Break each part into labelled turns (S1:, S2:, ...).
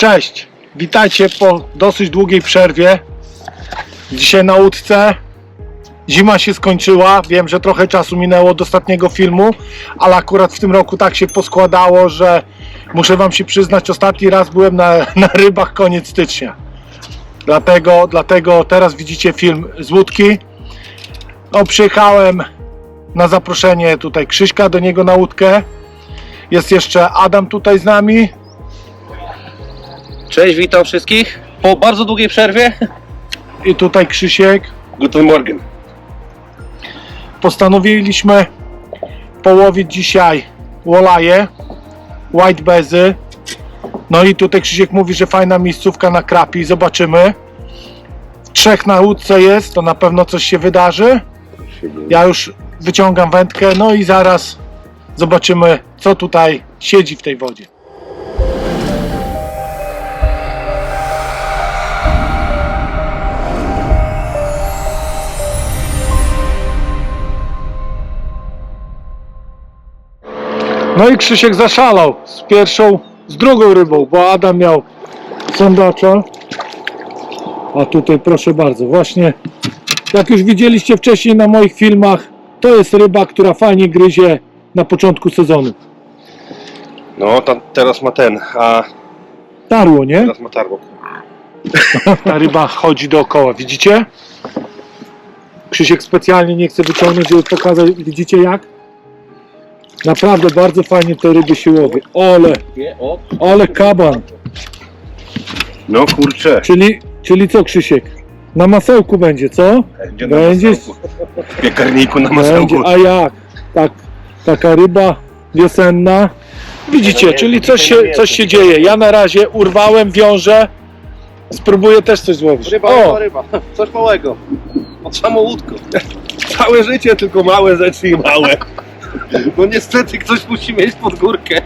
S1: Cześć, witajcie po dosyć długiej przerwie. Dzisiaj na łódce. Zima się skończyła, wiem, że trochę czasu minęło od ostatniego filmu, ale akurat w tym roku tak się poskładało, że muszę wam się przyznać, ostatni raz byłem na rybach koniec stycznia. Dlatego teraz widzicie film z łódki. No, przyjechałem na zaproszenie tutaj Krzyśka do niego na łódkę. Jest jeszcze Adam tutaj z nami.
S2: Cześć, witam wszystkich po bardzo długiej przerwie.
S1: I tutaj Krzysiek.
S2: Guten Morgen.
S1: Postanowiliśmy połowić dzisiaj wolaje, white bezy. No i tutaj Krzysiek mówi, że fajna miejscówka na krapi. Zobaczymy. Trzech na łódce jest, to na pewno coś się wydarzy. Ja już wyciągam wędkę, no i zaraz zobaczymy, co tutaj siedzi w tej wodzie. No i Krzysiek zaszalał z drugą rybą, bo Adam miał sandacza. A tutaj proszę bardzo, właśnie jak już widzieliście wcześniej na moich filmach, to jest ryba, która fajnie gryzie na początku sezonu.
S2: No, tam teraz ma ten, a
S1: Tarło, nie?
S2: teraz ma tarło.
S1: Ta ryba chodzi dookoła, widzicie? Krzysiek specjalnie nie chce wyciągnąć, żeby pokazać, widzicie jak? Naprawdę bardzo fajnie te ryby się łowi. Ale kaban.
S2: No kurczę.
S1: Czyli co, Krzysiek? Na masełku będzie, co?
S2: Będzie na
S1: Będzie.
S2: masełku. W piekarniku na masełku.
S1: A jak? Taka ryba wiosenna. Widzicie, czyli coś się dzieje. Ja na razie urwałem, wiążę. Spróbuję też coś złowić.
S2: Ryba. Coś małego. Od samą łódką. Całe życie tylko małe rzeczy i małe. No niestety ktoś musi mieć pod górkę.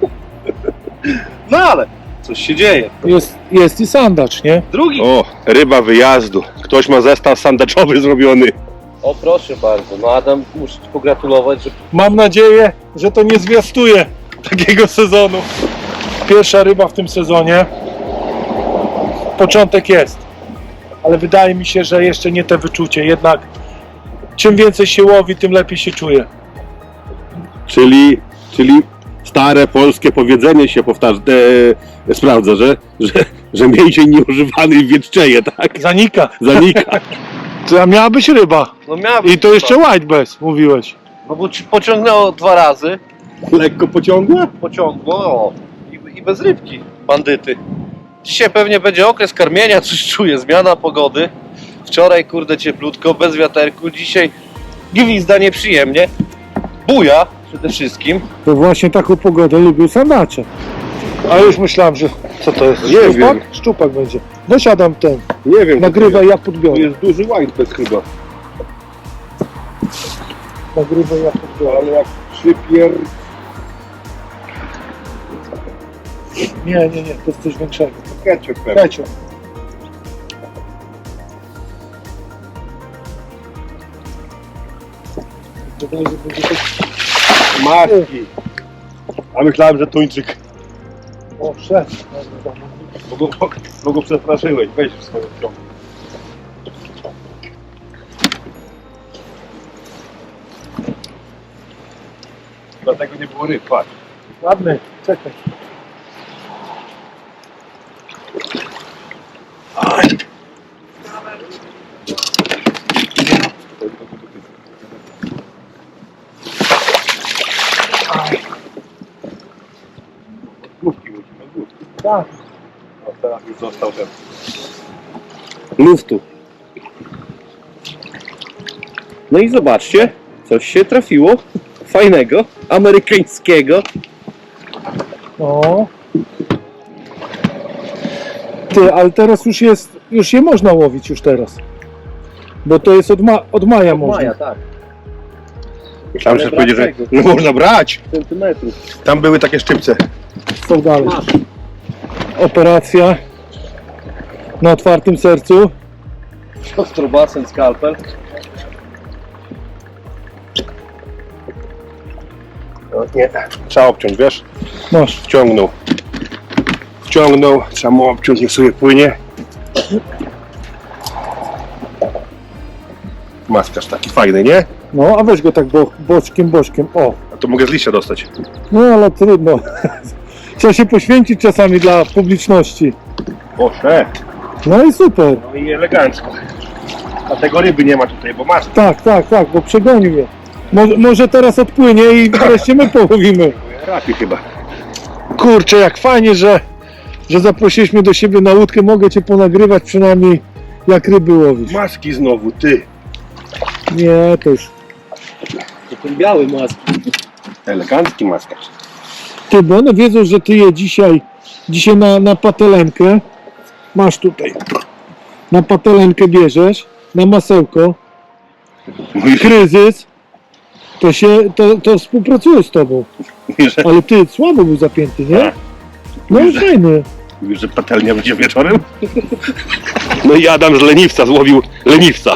S2: No ale coś się dzieje.
S1: Jest i sandacz, nie?
S2: Drugi.
S3: O, ryba wyjazdu. Ktoś ma zestaw sandaczowy zrobiony.
S2: O proszę bardzo. No Adam, muszę ci pogratulować, że
S1: Mam nadzieję, że to nie zwiastuje takiego sezonu. Pierwsza ryba w tym sezonie. Początek jest. Ale wydaje mi się, że jeszcze nie te wyczucie. Jednak czym więcej się łowi, tym lepiej się czuje.
S3: Czyli stare polskie powiedzenie się sprawdza, że mięsień nieużywany wieczczeje, tak?
S1: Zanika.
S3: Zanika.
S1: To miała być ryba.
S2: no miałem.
S1: I to jeszcze white bass, mówiłeś.
S2: No bo ci pociągnęło 2 razy.
S3: Lekko pociągła?
S2: Pociągło, o. I bez rybki, bandyty. Dzisiaj pewnie będzie okres karmienia, coś czuję, zmiana pogody. Wczoraj kurde cieplutko, bez wiaterku, dzisiaj gwizda nieprzyjemnie. Buja przede wszystkim.
S1: To właśnie taką pogodę lubił sandacze. A już myślałem, że... Co to jest?
S3: Nie
S1: Szczupak?
S3: wiem.
S1: Szczupak będzie. Dosiadam ten.
S3: Nie wiem.
S1: Nagrywaj, ja
S3: To
S1: podbiorę.
S3: jest duży white bez chyba.
S1: Nagrywaj, ja podbiorę.
S3: Ale jak przypier...
S1: Nie, to jest coś większego.
S3: Ketchup pewnie.
S1: Ketchup. Wydaje się, że będzie to...
S3: Maski. A myślałem, że tuńczyk.
S1: O, szef.
S3: Bo go przestraszyłeś. Weź w swoją stronę. Dlatego nie było ryb, patrz.
S1: Ładny, czekaj.
S3: Główki musimy, główki.
S1: Tak.
S3: No teraz już został ten.
S2: Luftu. No i zobaczcie, coś się trafiło fajnego, amerykańskiego.
S1: No. Ty, ale teraz już je można łowić już teraz. Bo to jest od maja można.
S2: Maja, tak.
S3: Myślałem, że
S2: Ale
S3: powiedzieć, że
S2: brak
S3: no można brać.
S2: Centymetrów.
S3: Tam były takie szczypce.
S1: Co dalej? Operacja na otwartym sercu.
S2: Ostrobasen, skalpel.
S3: No, nie, trzeba obciąć, wiesz?
S1: Masz.
S3: Wciągnął. obciągnął, trzeba mu obciąć, niech sobie płynie. Maskarz taki fajny, nie?
S1: No, a weź go tak boczkiem, o.
S3: A to mogę z liścia dostać.
S1: No, ale trudno. Trzeba się poświęcić czasami dla publiczności.
S3: Proszę.
S1: No i super.
S3: No i elegancko. A tego ryby nie ma tutaj, bo masz.
S1: Tak, bo przegonił je. Może teraz odpłynie i wreszcie my połowimy.
S3: Rapi chyba.
S1: Kurczę, jak fajnie, że zaprosiliśmy do siebie na łódkę. Mogę cię ponagrywać przynajmniej, jak ryby łowisz.
S3: Maski znowu, ty.
S1: Nie, to już...
S2: To ten biały maski.
S3: Elegancki maskarz.
S1: Ty, bo one wiedzą, że ty je dzisiaj na patelenkę. Masz tutaj. Na patelenkę bierzesz, na masełko.
S3: Mówi,
S1: Kryzys. To współpracuje z tobą.
S3: że,
S1: Ale ty słabo był zapięty, nie?
S3: Tak.
S1: No
S3: Mówi, że-
S1: fajny.
S3: mówi, że patelnia będzie wieczorem. No i Adam z leniwca złowił leniwca.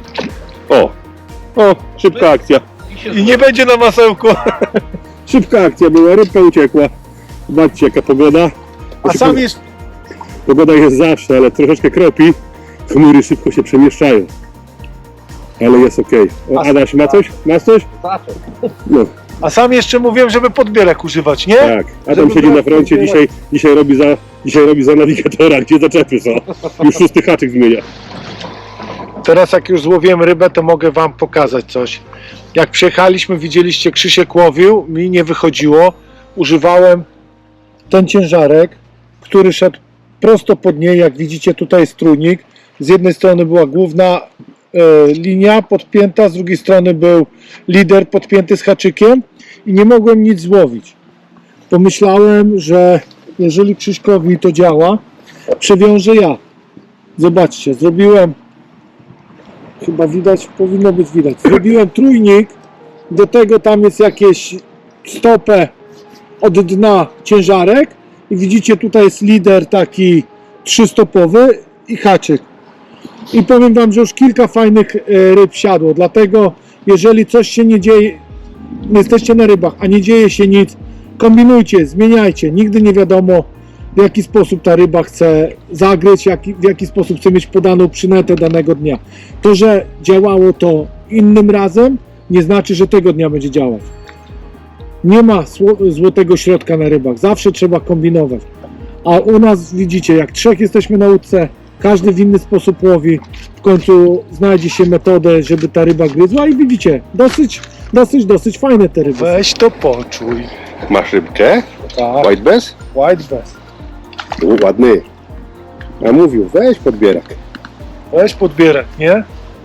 S3: O, szybka akcja.
S1: I nie będzie na masełku.
S3: Szybka akcja była, rybka uciekła. Zobaczcie jaka pogoda.
S1: A sam jest...
S3: Pogoda jest zawsze, ale troszeczkę kropi. Chmury szybko się przemieszczają. Ale jest okej. O, Adaś, ma coś? Masz coś? No,
S1: A sam jeszcze mówiłem, żeby podbierek używać, nie?
S3: tak. Adam
S1: Żeby
S3: siedzi na
S1: było
S3: froncie,
S1: podbierek.
S3: dzisiaj robi za nawigatora, gdzie zaczepy są. Już 6 haczyk zmienia.
S1: Teraz jak już złowiłem rybę, to mogę wam pokazać coś. Jak przyjechaliśmy, widzieliście, Krzysiek łowił, mi nie wychodziło. Używałem ten ciężarek, który szedł prosto pod niej. Jak widzicie, tutaj jest trójnik. Z jednej strony była główna linia podpięta, z drugiej strony był lider podpięty z haczykiem i nie mogłem nic złowić. Pomyślałem, że jeżeli Krzyśkowi to działa, przewiążę ja. Zobaczcie, zrobiłem, chyba widać, powinno być widać, zrobiłem trójnik, do tego tam jest jakieś stopę od dna ciężarek i widzicie, tutaj jest lider taki trzystopowy i haczyk. I powiem wam, że już kilka fajnych ryb siadło, dlatego jeżeli coś się nie dzieje, jesteście na rybach, a nie dzieje się nic, kombinujcie, zmieniajcie, nigdy nie wiadomo, w jaki sposób ta ryba chce zagryźć, w jaki sposób chce mieć podaną przynętę danego dnia. To, że działało to innym razem, nie znaczy, że tego dnia będzie działać. Nie ma złotego środka na rybach, zawsze trzeba kombinować. A u nas widzicie, jak trzech jesteśmy na łódce, każdy w inny sposób łowi, w końcu znajdzie się metodę, żeby ta ryba gryzła i widzicie, dosyć fajne te ryby. Weź to poczuj.
S3: Masz rybkę?
S1: Tak,
S3: White bass?
S1: white bass.
S3: Ładny. A mówił, weź podbierak.
S1: Weź podbierek, nie?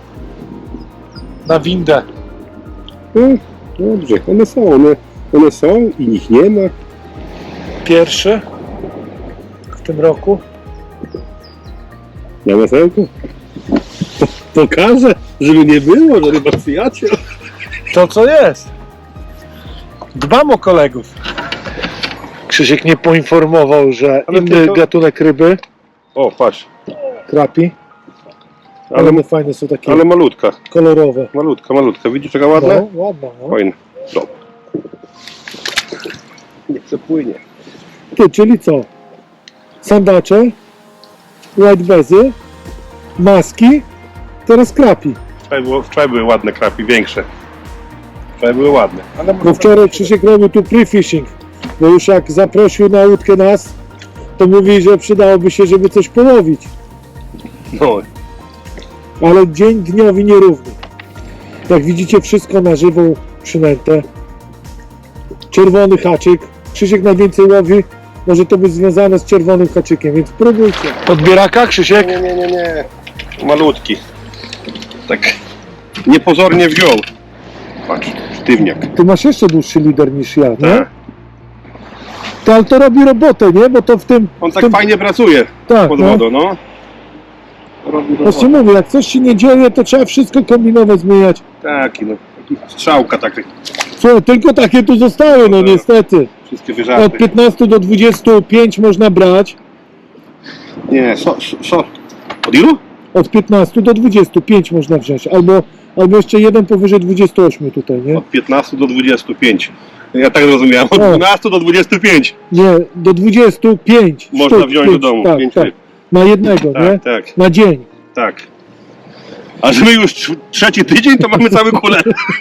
S1: Na windę.
S3: No, dobrze, one są i ich nie ma.
S1: Pierwszy w tym roku.
S3: Na masełku. Pokażę, żeby nie było, że ryba przyjaciel.
S1: To co jest? Dbam o kolegów. Krzysiek nie poinformował, że
S3: Ale
S1: inny
S3: tylko-
S1: gatunek ryby,
S3: O, patrz.
S1: krapi, ale
S3: Ale,
S1: one fajne są takie
S3: ale malutka.
S1: kolorowe.
S3: Malutka. Widzisz jaka ładna?
S1: No, ładna, no.
S3: Fajna. Dobra. Nie przepłynie.
S1: Ty, czyli co? Sandacze, white bazy, maski, teraz krapi.
S3: Wczoraj były ładne krapi, większe. Wczoraj były ładne. Ale
S1: Bo wczoraj Krzysiek robił tu pre-fishing, bo już jak zaprosił na łódkę nas, to mówi, że przydałoby się, żeby coś połowić.
S3: no,
S1: Ale dzień dniowi nierówny. Jak widzicie, wszystko na żywą przynętę. Czerwony haczyk. Krzysiek najwięcej łowi. Może to być związane z czerwonym haczykiem, więc próbujcie. Podbieraka, Krzysiek?
S3: nie. Malutki. Tak niepozornie wziął. Patrz, sztywniak.
S1: Ty masz jeszcze dłuższy lider niż ja, nie?
S3: Tak.
S1: To, ale to robi robotę, nie? Bo to w tym...
S3: On
S1: w
S3: tak
S1: tym,
S3: fajnie pracuje
S1: tak,
S3: pod
S1: no.
S3: wodą, no. Robi
S1: Właśnie mówię, jak coś się nie dzieje, to trzeba wszystko kombinować, zmieniać.
S3: Taki, no. Taki strzałka, tak.
S1: Słuchaj, tylko takie tu zostały, no niestety.
S3: Wszystkie
S1: Od
S3: wyżarty.
S1: 15 do 25 można brać.
S3: Nie, Od ilu?
S1: Od 15 do 25 można wziąć. Albo jeszcze jeden powyżej 28 tutaj, nie?
S3: Od 15 do 25. Ja tak zrozumiałem, od
S1: O.
S3: 12 do 25
S1: Nie, do 25
S3: można
S1: sztuk,
S3: wziąć do
S1: pięć,
S3: domu,
S1: tak,
S3: 5
S1: tak.
S3: ryb.
S1: Na jednego, nie?
S3: Tak, tak,
S1: Na dzień.
S3: tak. A że my już trzeci tydzień, to mamy cały kulę.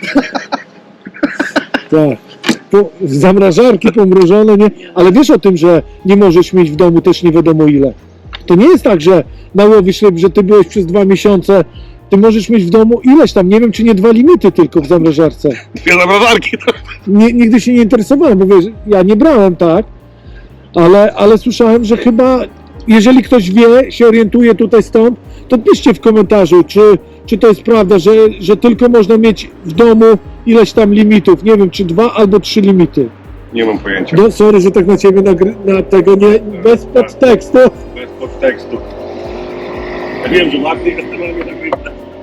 S1: Tak. Zamrażarki pomrożone, nie? Ale wiesz o tym, że nie możesz mieć w domu też nie wiadomo ile. To nie jest tak, że nałowisz ryb, że ty byłeś przez 2 miesiące, ty możesz mieć w domu ileś tam, nie wiem czy nie 2 limity tylko w zamrażarce.
S3: 2 zamrażarki.
S1: Nigdy się nie interesowałem, bo wiesz, ja nie brałem, tak, ale słyszałem, że chyba, jeżeli ktoś wie, się orientuje tutaj stąd, to piszcie w komentarzu, czy to jest prawda, że tylko można mieć w domu ileś tam limitów, nie wiem, czy 2 albo 3 limity.
S3: Nie mam pojęcia.
S1: No, sorry, że tak na ciebie na tego nie, bez podtekstu.
S3: Bez podtekstu. Ja wiem, że ładnie jest, ale mnie nagrywa.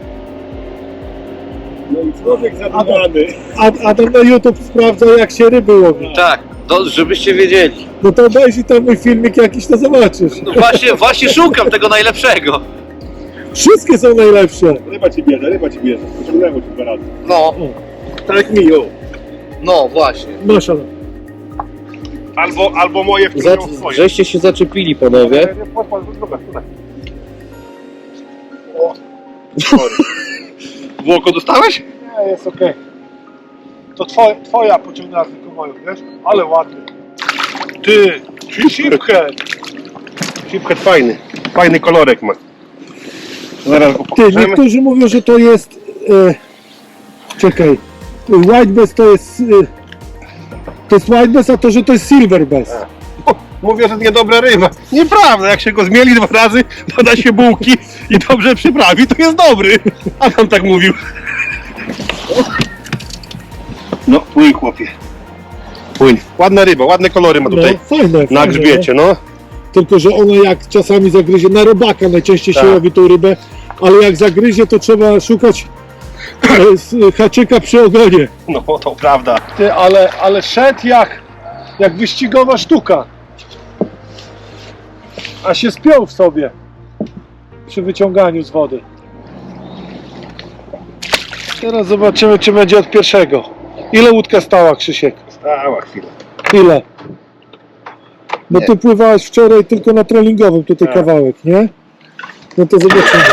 S3: No i człowiek zadumany.
S1: Adam na YouTube sprawdza, jak się ryby łowi.
S2: Tak, żebyście wiedzieli.
S1: No to obejrzyj tam mój filmik jakiś, to zobaczysz.
S2: No właśnie szukam tego najlepszego.
S1: Wszystkie są najlepsze.
S3: Ryba ci bierze. Pociągnęło ci 2 razy.
S2: No,
S3: Tak jak mi, jo.
S2: no właśnie.
S1: Masz, Adam.
S3: Albo moje wciągnęło swoje.
S2: Żeście się zaczepili, panowie.
S3: W oko dostałeś?
S1: Nie, jest okej. To twoja pociągnęła tylko moją, wiesz? Ale ładny. Ty, shiphead.
S3: Shiphead fajny. Fajny kolorek ma. Zaraz go
S1: Ty,
S3: pokażemy.
S1: niektórzy mówią, że to jest... czekaj. White bass to jest... to jest white bass, a to, że to jest silver bass.
S3: Mówię, że niedobra ryba. Nieprawda, jak się go zmieli 2 razy, doda się bułki i dobrze przyprawi, to jest dobry. A tam tak mówił. No, płyń chłopie. Płyń. Ładna ryba, ładne kolory ma tutaj
S1: No, fajne,
S3: na
S1: fajne,
S3: grzbiecie, no.
S1: Tylko, że ona jak czasami zagryzie, na robaka najczęściej się
S3: Tak.
S1: łowi tą rybę, ale jak zagryzie, to trzeba szukać haczyka przy ogonie.
S3: No, to prawda.
S1: Ty, ale szedł jak wyścigowa sztuka. A się spiął w sobie przy wyciąganiu z wody. Teraz zobaczymy, czy będzie od pierwszego. Ile łódka stała, Krzysiek?
S3: Stała chwilę.
S1: Ile? Bo ty pływałeś wczoraj tylko na trollingowym tutaj
S3: Tak.
S1: kawałek, nie? No to zobaczymy.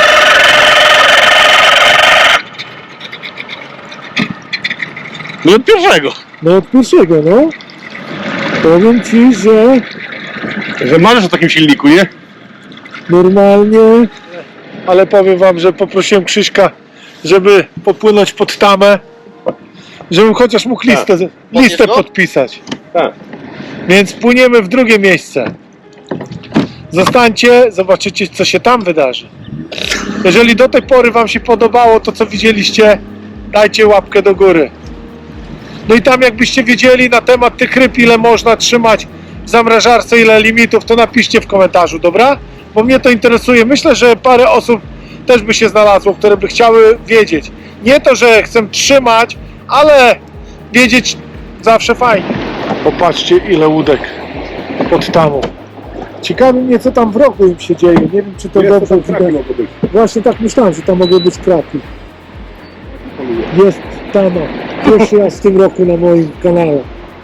S3: No od pierwszego.
S1: No od pierwszego, no. Powiem ci, że
S3: Że marzysz o takim silniku, nie?
S1: normalnie, ale powiem wam, że poprosiłem Krzyśka, żeby popłynąć pod tamę, żebym chociaż mógł listę
S2: Podniesz go?
S1: podpisać.
S3: Tak.
S1: Więc płyniemy w drugie miejsce. Zostańcie, zobaczycie, co się tam wydarzy. Jeżeli do tej pory wam się podobało to, co widzieliście, dajcie łapkę do góry. No i tam jakbyście wiedzieli na temat tych ryb, ile można trzymać w zamrażarce, ile limitów, to napiszcie w komentarzu, dobra? Bo mnie to interesuje. Myślę, że parę osób też by się znalazło, które by chciały wiedzieć. Nie to, że chcę trzymać, ale wiedzieć zawsze fajnie. Popatrzcie, ile łódek pod tamą. Ciekawi mnie, co tam w rogu im się dzieje. Nie wiem, czy to dobrze widać. Właśnie tak myślałem, że tam mogły być krapi. Jest tama. Pierwszy raz w tym roku na moim kanale.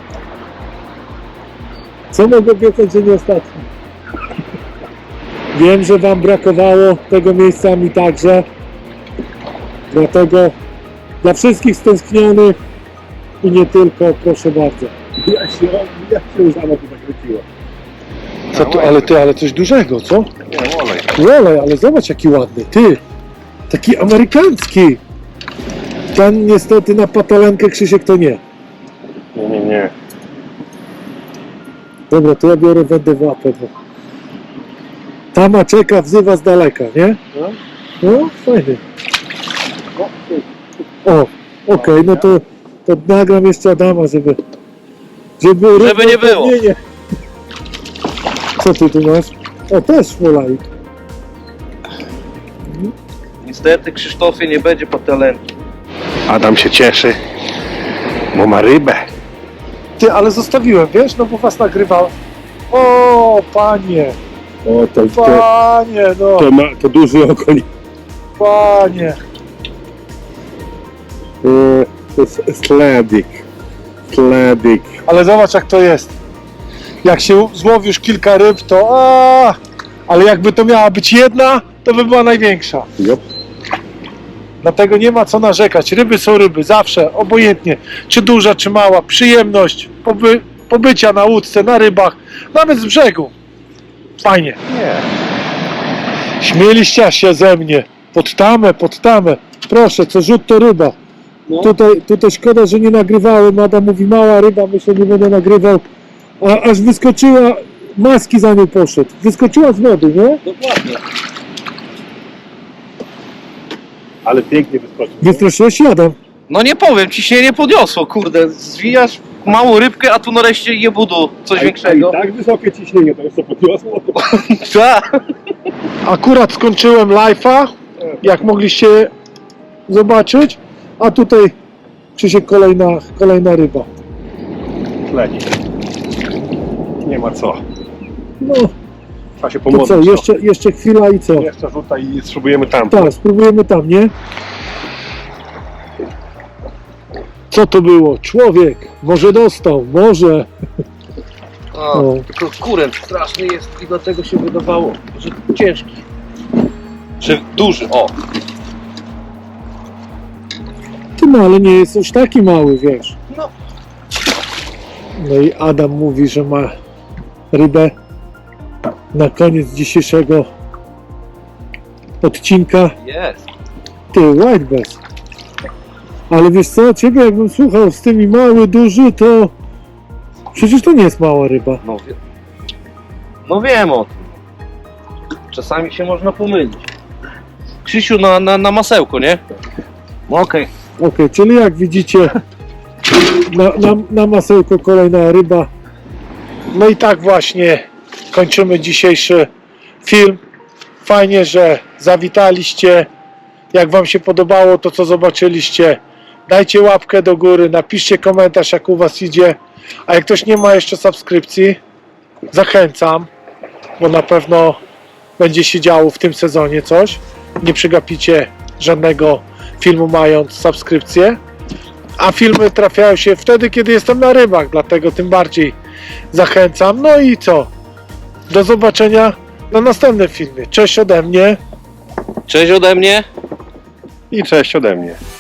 S1: Co mogę obiecać, że nie ostatni? Wiem, że wam brakowało tego miejsca, mi także. Dlatego dla wszystkich stęsknionych i nie tylko, proszę bardzo.
S3: Jak się już sama tu zakręciła.
S1: Co tu, ale coś dużego, co?
S3: Nie, olej.
S1: Olej, ale zobacz jaki ładny, ty! Taki amerykański! Ten niestety na patalankę, Krzysiek, to nie.
S3: Nie.
S1: Dobra, to ja biorę wędę w łapę. Bo... Tama czeka, wzywa z daleka, nie? No, fajny. O, okej, no to nagram jeszcze Adama, żeby
S2: nie było.
S1: równouprawnienie. Co ty tu masz? O, też Wolajt.
S2: Niestety, Krzysztofie, nie będzie patelenki.
S3: Adam się cieszy, bo ma rybę.
S1: Ty, ale zostawiłem, wiesz, no bo was nagrywałem. O, panie,
S3: O,
S1: panie, no,
S3: to duży okoń.
S1: panie.
S3: To jest sledik. Kledyk.
S1: Ale zobacz jak to jest. Jak się złowi już kilka ryb, to ale jakby to miała być jedna, to by była największa.
S3: Yep.
S1: Dlatego nie ma co narzekać. Ryby są ryby, zawsze, obojętnie. Czy duża, czy mała. Przyjemność pobycia na łódce, na rybach, nawet z brzegu. Fajnie.
S2: Nie.
S1: Śmieliście się ze mnie. Pod tamę. Proszę, co rzut to ryba.
S2: No.
S1: Tutaj szkoda, że nie nagrywałem. Adam mówi mała ryba, myślę, nie będę nagrywał. A aż wyskoczyła, maski za nią poszedł. Wyskoczyła z wody, nie?
S2: Dokładnie.
S3: Ale pięknie wyskoczył.
S1: Wystraszyłeś się, Adam?
S2: No nie powiem, ciśnienie podniosło, kurde. Zwijasz małą rybkę, a tu nareszcie jebudu coś większego.
S3: Tak wysokie ciśnienie, to jest co podniosło.
S2: Tak.
S1: Akurat skończyłem live'a, jak mogliście zobaczyć, a tutaj Krzysiek kolejna ryba.
S3: Kledyk. Nie ma co.
S1: No,
S3: Trzeba się
S1: to
S3: pomodlić.
S1: co, jeszcze chwila i co?
S3: Jeszcze rzuta i spróbujemy tam.
S1: Tak, spróbujemy tam, nie? Co to było? Człowiek, może dostał, może.
S2: O, tylko kurent straszny jest i dlatego się wydawało, że ciężki. Że duży, o.
S1: Ty no, ale nie jest już taki mały, wiesz.
S2: No.
S1: No i Adam mówi, że ma rybę na koniec dzisiejszego odcinka.
S2: Jest.
S1: Ty, white bass. Ale wiesz co, ciebie jakbym słuchał z tymi mały, duży, to przecież to nie jest mała ryba.
S2: No wiem o tym. Czasami się można pomylić. Krzysiu na masełko, nie? No okej.
S1: Okej, czyli jak widzicie, na masełko kolejna ryba. No i tak właśnie kończymy dzisiejszy film. Fajnie, że zawitaliście. Jak wam się podobało to, co zobaczyliście, dajcie łapkę do góry, napiszcie komentarz, jak u was idzie. A jak ktoś nie ma jeszcze subskrypcji, zachęcam, bo na pewno będzie się działo w tym sezonie coś. Nie przegapicie żadnego filmu, mając subskrypcję. A filmy trafiają się wtedy, kiedy jestem na rybach, dlatego tym bardziej zachęcam. No i co? Do zobaczenia na następnym filmie. Cześć ode mnie.
S2: Cześć ode mnie.
S3: I cześć ode mnie.